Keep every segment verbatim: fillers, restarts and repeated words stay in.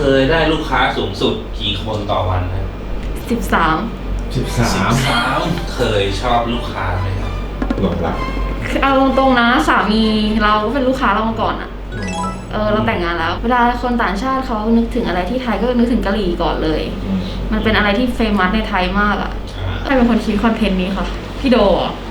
ยได้ลูกค้าสูงสุดกี่คนต่อวันครับสิบสามสิบสามเคยชอบลูกค้าไหมครับหลงรักเอาตรงๆนะสามีเราก็เป็นลูกค้าเรามาก่อนอะเออเราแต่งงานแล้วเวลาคนต่างชาติเขานึกถึงอะไรที่ไทยก็นึกถึงกะหรี่ก่อนเลยมันเป็นอะไรที่เฟมัสในไทยมากอะใครเป็นคนคิดคอนเทนต์นี้คะพี่โดอ่ะ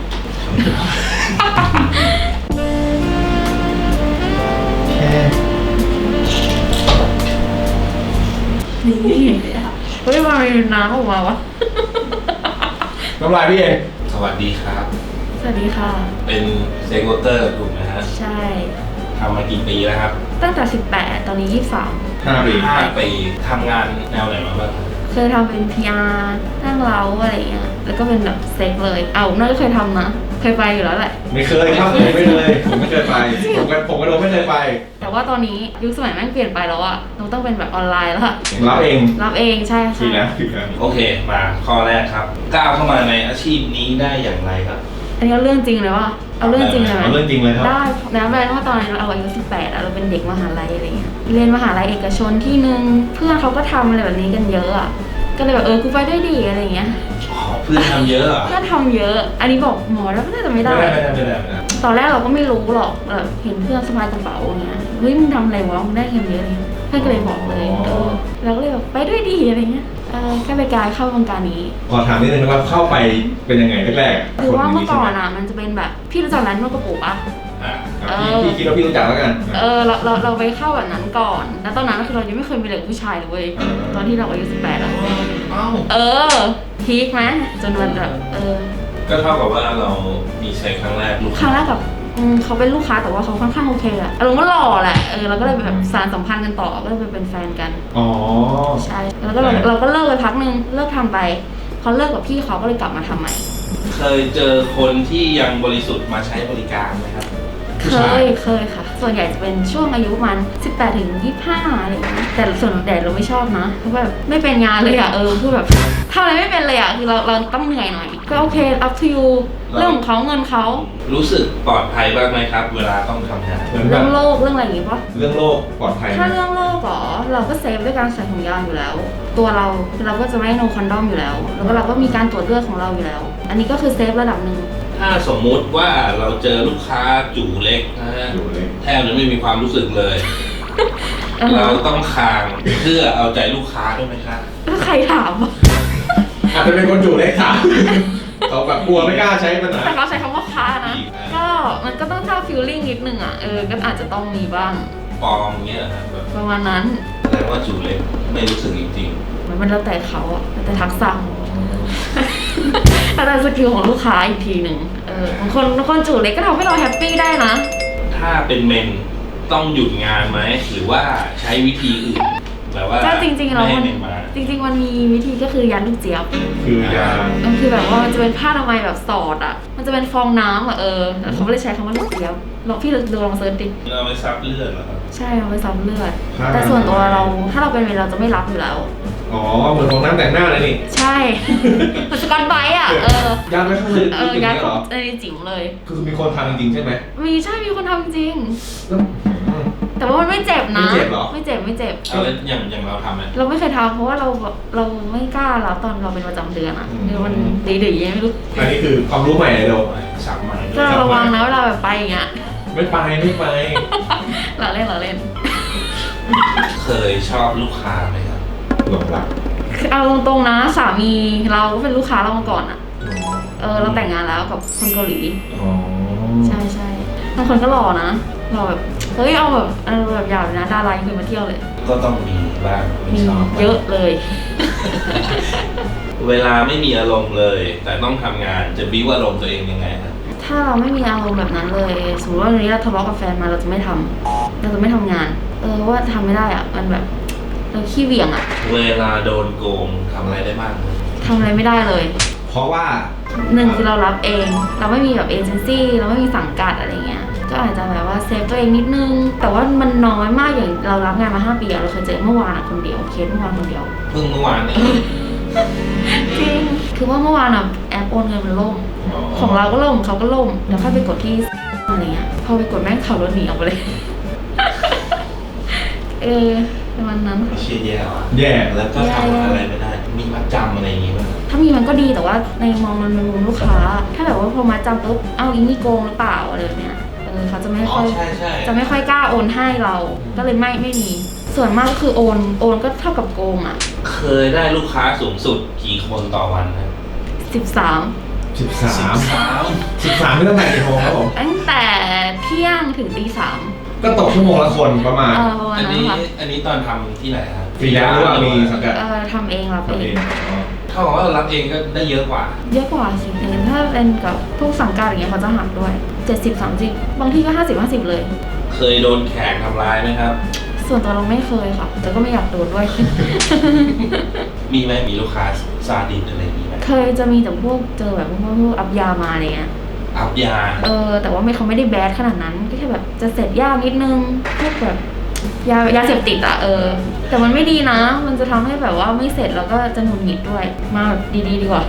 นี่เฮ้ยมามีน้ำออกมาวะน้ำลายพี่เองสวัสดีครับสวัสดีค่ะเป็นเซ็กเวอร์เกอร์ถูกไหมฮะใช่ทำมากี่ปีแล้วครับตั้งแต่สิบแปดตอนนี้ยี่สิบสามห้าปีห้าปีทำงานแนวไหนมาบ้างเคยทำเป็น พี อาร์ นั่งเล้าอะไรเงี้ยแล้วก็เป็นแบบเซ็กเลยเอาน่าจะเคยทำนะเคยไปอยู่แล้วแหละไม่เคยครับผมไม่เคยผมไม่เคยไปผมก็ผมก็โดนไม่เคยไปแต่ว่าตอนนี้ยุคสมัยแม่งเปลี่ยนไปแล้วอะเราต้องเป็นแบบออนไลน์แล้วอะรับเองรับเองใช่ใช่ทีนะทีนะโอเคมาข้อแรกครับก้าวเข้ามาในอาชีพนี้ได้อย่างไรครับอันนี้เอาเรื่องจริงเลยว่าเอาเรื่องจริงเลยไหมเอาเรื่องจริงเลยครับได้นะแปลว่าตอนนั้นเราอายุสิบแปดเราเป็นเด็กมหาลัยอะไรเงี้ยเรียนมหาลัยเอกชนที่นึงเพื่อนเขาก็ทำอะไรแบบนี้กันเยอะอะก็เลยแบบเออกูไปได้ดีอะไรเงี้ยเพื่อนทำเยอะอ่ะเพื่อนทำเยอะอันนี้บอกหมอแล้วก็น่าจะไม่ได้ไม่ได้ไม่ได้ตอนแรกเราก็ไม่รู้หรอกแบบเห็นเพื่อนสะพายกระเป๋าเงี้ยเฮ้ยมึงทำอะไรวะมึงได้เงินเยอะเลยเพื่อนก็เลยบอกเลยเออเราก็เลยแบบไปด้วยดีอะไรเงี้ยเออแค่ไปกายเข้าวงการนี้ขอถามนิดนึงว่าเข้าไปเป็นยังไงแรกๆคือว่าเมื่อก่อนอ่ะมันจะเป็นแบบพี่รู้จักร้านนวดกระปุกอ่ะพี่คิดว่าพี่รู้จักแล้วกันเออเราเราเราไปเข้าแบบนั้นก่อนแล้วตอนนั้นคือเรายังไม่เคยมีเลยผู้ชายเลยตอนที่เราอายุสิบแปดอ่ะเออพีคไหมจนวันแบบเออก็เท่ากับว่าเรามีใช้ครั้งแรกลูกครั้งแรกกับเขาเป็นลูกค้าแต่ว่าเขาค่อนข้างโอเคอะอารมณ์ก็หล่อแหละเออเราก็เลยแบบสานสัมพันธ์กันต่อก็เลยเป็นแฟนกันอ๋อใช่แล้วก็เราเราก็เลิกไปพักนึงเลิกทำไปเขาเลิกกับพี่เขาก็เลยกลับมาทำใหม่เคยเจอคนที่ยังบริสุทธิ์มาใช้บริการไหมครับเคยเคยค่ะส่วนใหญ่จะเป็นช่วงอายุประมาณสิบแปดถึงยี่สิบห้าอะไรอย่างเงี้ยแต่ส่วนใหญ่เราไม่ชอบนะเพราะแบบไม่เป็นงานเลยอะเออคือแบบทำอะไรไม่เป็นเลยอะคือเราเราต้องเหนื่อยหน่อยก็โอเค up to you เรื่องของเขาเงินเขารู้สึกปลอดภัยบ้างไหมครับเวลาต้องทำงานเรื่องโรคเรื่องอะไรอย่างงี้ปะเรื่องโรคปลอดภัยถ้าเรื่องโรคหรอเราก็เซฟด้วยการใส่ถุงยางอยู่แล้วตัวเราเราก็จะไม่โนคอนดอมอยู่แล้วแล้วก็เราก็มีการตรวจเลือดของเราอยู่แล้วอันนี้ก็คือเซฟระดับหนึ่งถ้าสมมุติว่าเราเจอลูกค้าจู่เล็กนะฮะแทบจะไม่มีความรู้สึกเลยเราต้องคางเพื่อเอาใจลูกค้าด้วยไหมครับใครถามอาจจะเป็นคนจู่เล็กค่ะเขาแบบกลัวไม่กล้าใช้มันนะแต่เขาใช้คำว่าค้านะก็มันก็ต้องท่าฟิลลิ่งนิดนึงอ่ะเออก็อาจจะต้องมีบ้างปลอมเงี้ยแบบประมาณนั้นแสดงว่าจู่เล็กไม่รู้สึกจริงๆมันแล้วแต่เขาอ่ะแต่ทักษะแต่สกิลของลูกค้าอีกทีหนึ่งเออบางคนบางคนจู่เล็กก็ทำให้เราแฮปปี้ได้นะถ้าเป็นเมนต้องหยุดงานไหมหรือว่าใช้วิธีอื่นแบบว่าก็จริงๆเราจริงๆมันมีวิธีก็คือยันลูกเจี๊ยบคือยามันคือแบบว่ามันจะเป็นผ้าอนามัยแบบสอดอ่ะมันจะเป็นฟองน้ำอ่ะเออเขาไม่ได้ใช้คำว่าลูกเจี๊ยบลองพี่ดูลองเซิร์ชดิเราไปซับเลือดเหรอครับใช่เราไปซับเลือดแต่ส่วนตัวเราถ้าเราเป็นเมนเราจะไม่รับอยู่แล้วอ๋อเหมือนฟองน้ำแต่งหน้าเลยนี่ใช่มันสกอตไบต์อ่ะเออยัดไว้ข้างในเออยัดในจิ๋มเลยคือมีคนทำจริงๆใช่ไหมมีใช่มีคนทำจริงแต่ว่ามันไม่เจ็บนะไม่เจ็บหรอไม่เจ็บไม่เจ็บเอาแล้วอย่างอย่างเราทำไหมเราไม่เคยทำเพราะว่าเราเราไม่กล้าแล้วตอนเราเป็นประจำเดือนอ่ะคือมันดีๆไม่รู้อันนี้คือความรู้ใหม่เลยเราสับใหม่ก็ระวังนะเวลาแบบไปอย่างเงี้ยไม่ไปไม่ไปเราเล่นเราเล่นเคยชอบลูกค้าไหมครับหลงรักเอาตรงๆนะสามีเราก็เป็นลูกค้าเรามาก่อนอ่ะเออเราแต่งงานแล้วกับคนเกาหลีใช่ใช่บางคนก็หล่อนะหล่อแบบเฮ้ยเอาแบบเออแบบยาวนะดาราคือมาเที่ยวเลยก็ต้องมีบ้างมีเยอะเลยเวลาไม่มีอารมณ์เลยแต่ต้องทำงานจะบิ้วอารมณ์ตัวเองยังไงครับถ้าเราไม่มีอารมณ์แบบนั้นเลยสมมติว่าวันนี้เราทะเลาะกับแฟนมาเราจะไม่ทำเราจะไม่ทำงานเออว่าทำไม่ได้อ่ะมันแบบเราขี้เหวี่ยงอ่ะเวลาโดนโกงทำอะไรได้บ้างทำอะไรไม่ได้เลยเพราะว่าหนึ่งคือเรารับเองเราไม่มีแบบเอเจนซี่เราไม่มีสังกัดอะไรเงี้ยก็อาจจะแบบว่าเซฟตัวเองนิดนึงแต่ว่ามันน้อยมากอย่างเรารับงานมาห้าปีเราเคยเจอเมื่อวานคนเดียวเคสเมื่อวานคนเดียวเพิ่งเมื่อวานนี่จริงคือว่าเมื่อวานอ่ะแอปโอนเงินมันล่มของเราก็ล่มเขาก็ล่มแล้วค่อยไปกดที่อะไรเงี้ยพอไปกดแม่งขับรถหนีออกไปเลยเออประมาณนั้นไม่เชียแย่ว่ะแย่แล้วก็ทำอะไรไม่ได้ มีมัดจำอะไรอย่างงี้ป่ะถ้ามีมันก็ดีแต่ว่าในมองมันในมุมลูกค้า ถ้าแบบว่าพอมาจำปุ๊บเอ้าอีนี่โกงหรือเปล่าอะไรแบบเนี้ยเออเขาจะไม่อ๋อค่อยใช่ใช่จะไม่ค่อยกล้าโอนให้เรา ก็เลยไม่ไม่มี ส่วนมากก็คือโอนโอนก็เท่ากับโกงอ่ะเคยได้ลูกค้าสูงสุดกี่คนต่อวันนะสิบสามสิบสามสามสิบสามนี่ตั้งแต่กี่โมงครับผมตั้งแต่เที่ยงถึงตีสามก็ตกชั่วโมงละคนประมาณเออประมาณอันนั้นนี้ค่ะอันนี้ตอนทำที่ไหนครับฟรีแลนซ์หรือว่ามีสังกัดเออทำเองรับทำเอเอง งอ๋อเท่ากับว่ารับเองก็ได้เยอะกว่าเยอะกว่าสิแต่ถ้าเป็นกับพวกสังกัดอย่างเงี้ยเขาจะหักด้วยเจ็ดสิบสามสิบบางที่ก็ห้าสิบห้าสิบเลยเคยโดนแขกทำร้ายไหมครับส่วนตัวเราไม่เคยค่ะ แต่ก็ไม่อยากโดนด้วยมีไหมมีลูกค้าซาดิสอะไรอย่างงี้ไหมเคยจะมีแต่พวกเจอแบบพวกพวกอัพยามาอะไรเงี้ยอัพยาเออแต่ว่าไม่เขาไม่ได้แบดขนาดนั้นก็แค่แบบจะเสร็จยากนิดนึงพวกแบบยายาเสพติดอะเออ แต่มันไม่ดีนะ มันจะทำให้แบบว่าไม่เสร็จแล้วก็จะหงุดหงิดด้วย มาแบบดีๆดีกว่า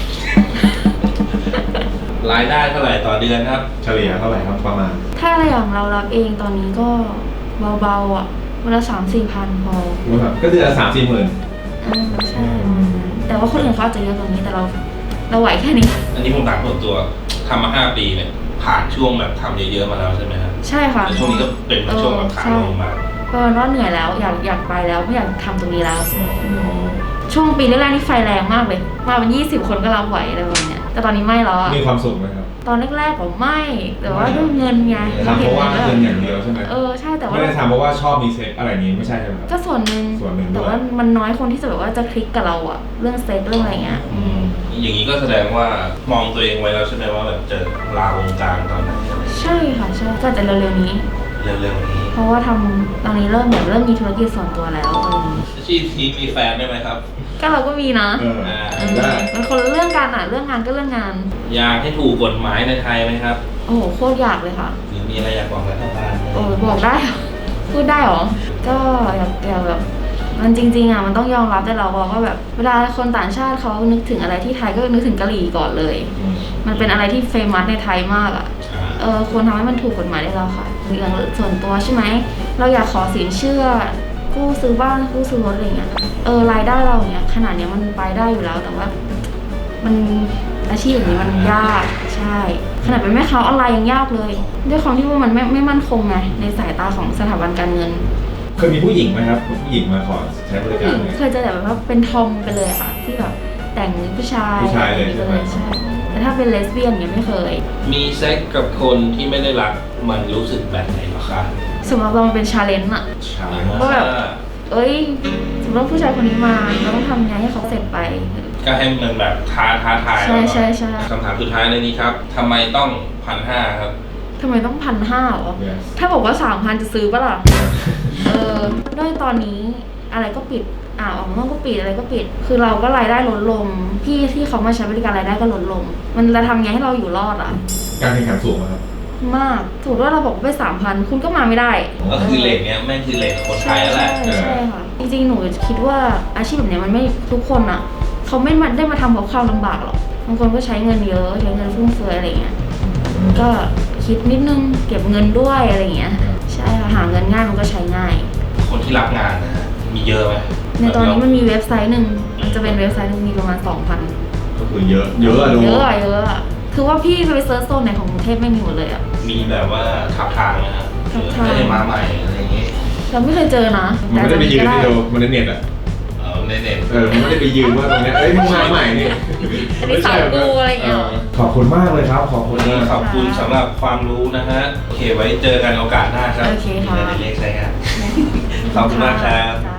รายได้เท่าไหร่ต่อเดือนครับเฉลี่ยเท่าไหร่ครับประมาณถ้าอะไรอย่างเรารับเองตอนนี้ก็เบาๆอ่ะวันละสามสี่พันพอก็เดือนละสามสี่หมื่นอ่าใช่ประมาณนั้นแต่ว่าคนอื่นเขาอาจจะเยอะกว่านี้แต่เราเราไหวแค่นี้อันนี้ผมถามส่วนตัวทำมาห้าปีเนี่ย ผ่านช่วงแบบทำเยอะๆมาแล้วใช่ไหมครับใช่ค่ะแต่ช่วงนี้ก็เป็นช่วงแบบขาลงมาเพราะว่าเหนื่อยแล้วอยากอยากไปแล้วไม่อยากทำตรงนี้แล้ว ช่วงปีแรกๆนี่ไฟแรงมากเลย มาเป็นยี่สิบคนก็รับไหวอะไรแบบเนี้ยแต่ตอนนี้ไม่แล้วอะมีความสุขไหมครับตอนแรกๆผมไม่ แต่ว่าด้วยเงินไงทำเพราะว่าเงินอย่างเดียวใช่ไหมเออใช่แต่ว่าไม่ได้ทำเพราะว่าชอบมีเซ็กอะไรอย่างนี้ไม่ใช่ใช่ไหมครับก็ส่วนหนึ่งส่วนหนึ่งด้วยแต่ว่ามันน้อยคนที่จะแบบว่าจะคลิกกับเราอะเรื่องเซ็กเรื่องอะไรเงี้ยอืมอย่างนี้ก็แสดงว่ามองตัวเองไว้แล้วใช่ไหมว่าแบบจะลาวงการตอนไหนอะไรใช่ค่ะใช่ก็จะเร็วๆนี้เร็วๆนี้เพราะว่าทำตอนนี้เริ่มแบบเริ่มมีธุรกิจส่วนตัวแล้วอะไรอย่างงี้อาชีพนี้มีแฟนได้ไหมครับก็เราก็มีนะเอออ่าได้มันคนละเรื่องกันอะเรื่องงานก็เรื่องงานอยากให้ถูกกฎหมายในไทยไหมครับโอ้โหโคตรอยากเลยค่ะหรือมีอะไรอยากบอกรัฐบาลไหมโอ้ยบอกได้เหรอพูดได้เหรอ ก็อยากอยากแบบ มันจริงๆอ่ะมันต้องยอมรับได้เราบอกว่าแบบเวลาคนต่างชาติเขานึกถึงอะไรที่ไทยก็นึกถึงกะหรี่ก่อนเลยอืมมันเป็นอะไรที่เฟมัสในไทยมากอ่ะอ่าเออควรทำให้มันถูกกฎหมายได้แล้วค่ะอย่างส่วนตัวใช่ไหม เราอยากขอสินเชื่อ กู้ซื้อบ้านกู้ซื้อรถอะไรเงี้ย เออรายได้เราเนี้ยขนาดเนี้ยมันไปได้อยู่แล้วแต่ว่า มันอาชีพแบบนี้มันยากใช่ ขนาดเป็นแม่ค้าออนไลน์ยังยากเลย ด้วยความที่ว่ามันไม่ไม่มั่นคงไงในสายตาของสถาบันการเงินเคยมีผู้หญิงไหมครับผู้หญิงมาขอใช้บริผู้การหญิงไหมเคยเจอแต่แบบว่าเป็นทอมไปเลยอะค่ะ ที่แบบแต่งผู้ชายผู้ชายเลยใช่ไหมใช่แต่ถ้าเป็นเลสเบี้ยนเนี่ยไม่เคยมีเซ็กกับคนที่ไม่ได้รักมันรู้สึกแบบไหนเหรอคะสมมติเรามันเป็นชาเลนจ์อะใช่ก็แบบ เอ้ยสมมติว่าผู้ชายคนนี้มาเราต้องทำไงให้เขาเสร็จไปก็ให้มันแบบท้าท้าทายใช่ใช่ใช่คำถามสุดท้ายในนี้ครับทำไมต้องพันห้าครับทำไมต้องพันห้าหรอเนี่ยถ้าบอกว่าสามพันจะซื้อปะล่ะ เออด้วยตอนนี้อะไรก็ปิด อ่าออกนอกก็ปิดอะไรก็ปิด คือเราก็รายได้ลดลง พี่ที่เขามาใช้บริการรายได้ก็ลดลง มันจะทำไงให้เราอยู่รอดอ่ะการแข่งขันสูงไหมครับมากสมมติว่าเราบอกว่าไปสามพันคุณก็มาไม่ได้ก็คือเลทเนี้ยแม่งคือเลทคนไทใช่ยแล้วแหใช่ละใช่ค่ะ จริงๆ หนูคิดว่าอาชีพแบบเนี้ยมันไม่ทุกคนอ่ะ เขาไม่มาได้มาทำเพราะความลำบากหรอก บางคนก็ใช้เงินเยอะใช้เงินฟุ่มเฟือยอะไรเงี้ย ก็คิดนิดนึงเก็บเงินด้วยอะไรเงี้ย ใช่ค่ะหาเงินง่ายมันก็ใช้ง่ายคนที่รับงานนะฮะมีเยอะไหมในตอนนี้มันมีเว็บไซต์หนึ่งมันจะเป็นเว็บไซต์หนึงมีประมาณสองพันก็คือเยอะเยอะอะลุงเยอะอะเยอะอะคือว่าพี่ไปเซิร์ชโซนไหนของกรุงเทพไม่มีหมดเลยอะมีแบบว่าทับทางนะฮะทับทางไม่ได้มาใหม่อะไรอย่างงี้เราไม่เคยเจอนะมันไม่ได้ไปยืนที่เดียวมันในเน็ตอ่ะเออในเน็ตเออมันไม่ได้ไปยืนว่าตรงเนี้ยเอ้ยมึงมาใหม่นี่อันนี้สาวกูอะไรอย่างเงี้ยเออขอบคุณมากเลยครับ ขอบคุณวันนี้มากขอบคุณสำหรับความรู้นะฮะ โอเคไว้เจอกันโอกาสหน้าครับโอเคค่ะมีอะไรเล็กๆใช้งาน ขอบคุณมากครับค่ะ